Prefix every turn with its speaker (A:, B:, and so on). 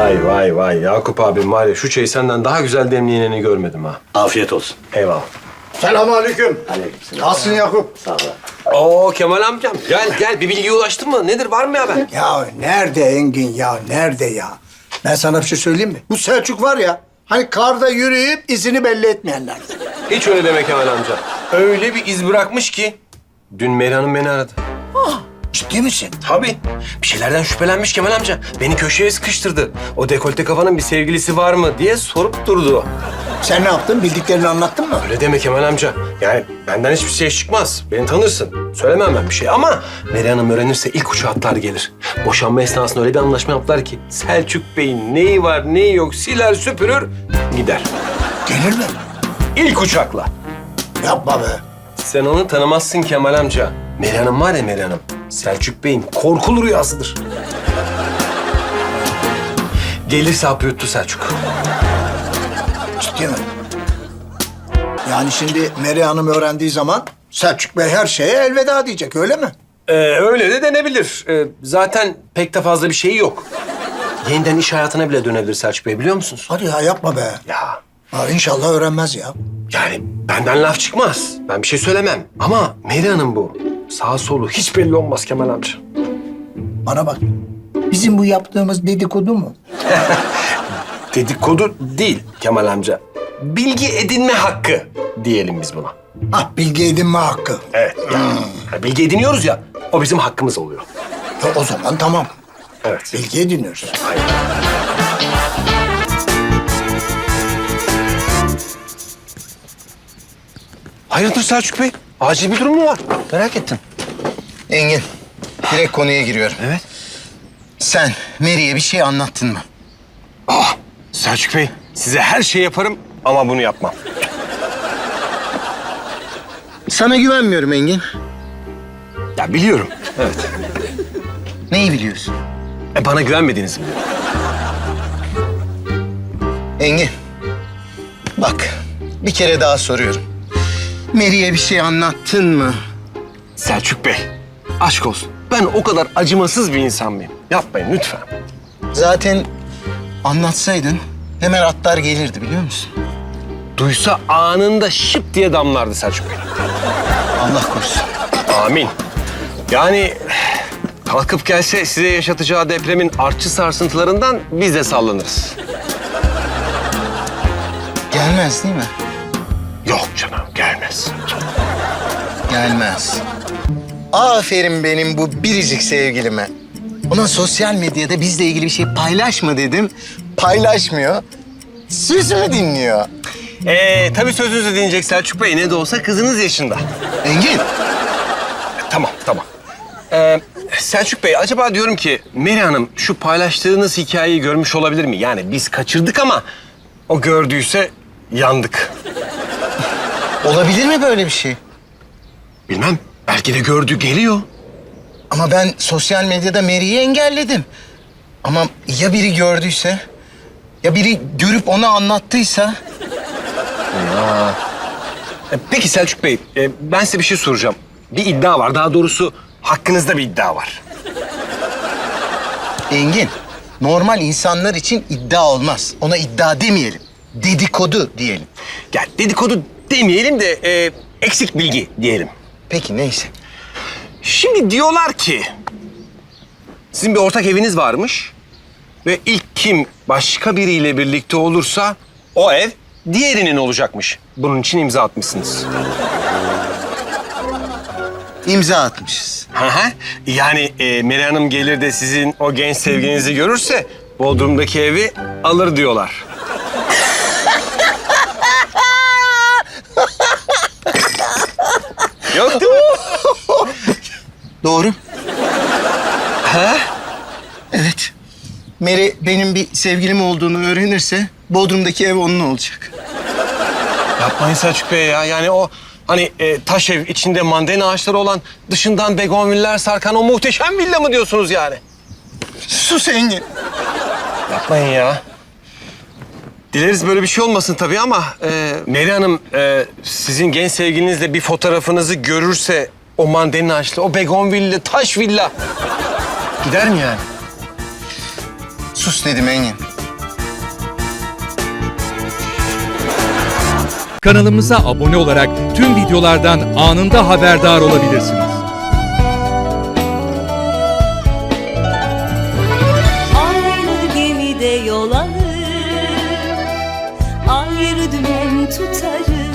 A: Vay vay vay Yakup abim var ya şu çayı senden daha güzel demleyenini görmedim ha.
B: Afiyet olsun.
A: Eyvallah.
C: Selamünaleyküm.
B: Aleykümselam.
C: Nasılsın Yakup?
B: Sağ ol.
A: Oo Kemal amcam gel bir bilgiye ulaştın mı? Nedir var mı ya ben?
C: Ya nerede Engin ya, nerede ya? Ben sana bir şey söyleyeyim mi? Bu Selçuk var ya, hani karda yürüyüp izini belli etmeyenlerden.
A: Hiç öyle deme Kemal amca. Öyle bir iz bırakmış ki. Dün Meri Hanım beni aradı.
C: Ciddi misin?
A: Tabii. Bir şeylerden şüphelenmiş Kemal amca. Beni köşeye sıkıştırdı. O dekolte kafanın bir sevgilisi var mı diye sorup durdu.
C: Sen ne yaptın? Bildiklerini anlattın mı?
A: Öyle deme Kemal amca. Yani benden hiçbir şey çıkmaz. Beni tanırsın. Söylemem ben bir şey ama Meri Hanım öğrenirse ilk uçağa atlar gelir. Boşanma esnasında öyle bir anlaşma yaptılar ki Selçuk Bey'in neyi var neyi yok siler süpürür gider.
C: Gelir mi?
A: İlk uçakla.
C: Yapma be.
A: Sen onu tanımazsın Kemal amca. Meri Hanım var ya Meri Hanım. Selçuk Bey'in korkulu rüyasıdır. Gelirse hapı yuttu Selçuk.
C: Ciddi mi? Yani şimdi Meri Hanım öğrendiği zaman Selçuk Bey her şeye elveda diyecek, öyle mi?
A: Öyle de denebilir. Zaten pek de fazla bir şeyi yok. Yeniden iş hayatına bile dönebilir Selçuk Bey biliyor musunuz?
C: Hadi ya, yapma be.
A: Ya
C: Ha, İnşallah öğrenmez ya.
A: yani benden laf çıkmaz. Ben bir şey söylemem. Ama Meri Hanım bu. Sağ solu hiç belli olmaz Kemal amca.
C: Bana bak. Bizim bu yaptığımız dedikodu mu?
A: Dedikodu değil Kemal amca. Bilgi edinme hakkı diyelim biz buna.
C: Ah, bilgi edinme hakkı.
A: Evet. Yani bilgi ediniyoruz ya, o bizim hakkımız oluyor.
C: O zaman tamam.
A: Evet.
C: Bilgi ediniyoruz.
A: Hayırdır Selçuk Bey? Acil bir durum mu var? Merak ettim.
D: Engin, direkt konuya giriyorum.
A: Evet.
D: Sen Mary'e bir şey anlattın mı?
A: Selçuk Bey, size her şey yaparım ama bunu yapmam.
D: Sana güvenmiyorum Engin.
A: Ya biliyorum. Evet.
D: Neyi biliyorsun?
A: Bana güvenmediğinizi biliyorum.
D: Engin, bak bir kere daha soruyorum. Mary'e bir şey anlattın mı?
A: Selçuk Bey, aşk olsun. Ben o kadar acımasız bir insan mıyım? Yapmayın lütfen.
D: Zaten anlatsaydın hemen atlar gelirdi biliyor musun?
A: Duysa anında şıp diye damlardı Selçuk Bey.
D: Allah korusun.
A: Amin. Yani kalkıp gelse size yaşatacağı depremin artçı sarsıntılarından biz de sallanırız.
D: Gelmez değil mi?
A: Yok canım, gelmez.
D: Gelmez. Aferin benim bu biricik sevgilime. Ona sosyal medyada bizle ilgili bir şey paylaşma dedim. Paylaşmıyor. Sözümü dinliyor.
A: Tabii sözünüzü dinleyecek Selçuk Bey. Ne de olsa kızınız yaşında.
D: Engin.
A: Tamam. Selçuk Bey, acaba diyorum ki Meri Hanım şu paylaştığınız hikayeyi görmüş olabilir mi? Yani biz kaçırdık ama o gördüyse yandık.
D: Olabilir mi böyle bir şey?
A: Bilmem. Belki de gördü, geliyor.
D: Ama ben sosyal medyada Mary'i engelledim. Ama ya biri gördüyse? Ya biri görüp ona anlattıysa?
A: Peki Selçuk Bey, ben size bir şey soracağım. Bir iddia var. Daha doğrusu hakkınızda bir iddia var.
D: Engin, normal insanlar için iddia olmaz. Ona iddia demeyelim. Dedikodu diyelim.
A: Ya dedikodu demeyelim de eksik bilgi diyelim.
D: Peki neyse.
A: Şimdi diyorlar ki sizin bir ortak eviniz varmış ve ilk kim başka biriyle birlikte olursa o ev diğerinin olacakmış. Bunun için imza atmışsınız.
D: İmza atmışız.
A: Hı hı. Yani Meri Hanım gelir de sizin o genç sevgilinizi görürse Bodrum'daki evi alır diyorlar. Yok değil mi?
D: Doğru.
A: Ha?
D: Evet. Mary benim bir sevgilim olduğunu öğrenirse Bodrum'daki ev onun olacak.
A: Yapmayın Selçuk Bey ya. Yani o hani taş ev içinde mandalina ağaçları olan dışından begonviller sarkan o muhteşem villa mı diyorsunuz yani?
D: Sus Engin.
A: Yapmayın ya. Dileriz böyle bir şey olmasın tabii ama Meri Hanım sizin genç sevgilinizle bir fotoğrafınızı görürse o mandalina ağaçlı, o begonvilli, taş villa gider mi yani?
D: Sus dedim Engin.
B: Kanalımıza abone olarak tüm videolardan anında haberdar olabilirsiniz.
E: Aynı gemide yol alır, ayrı dümen tutarız.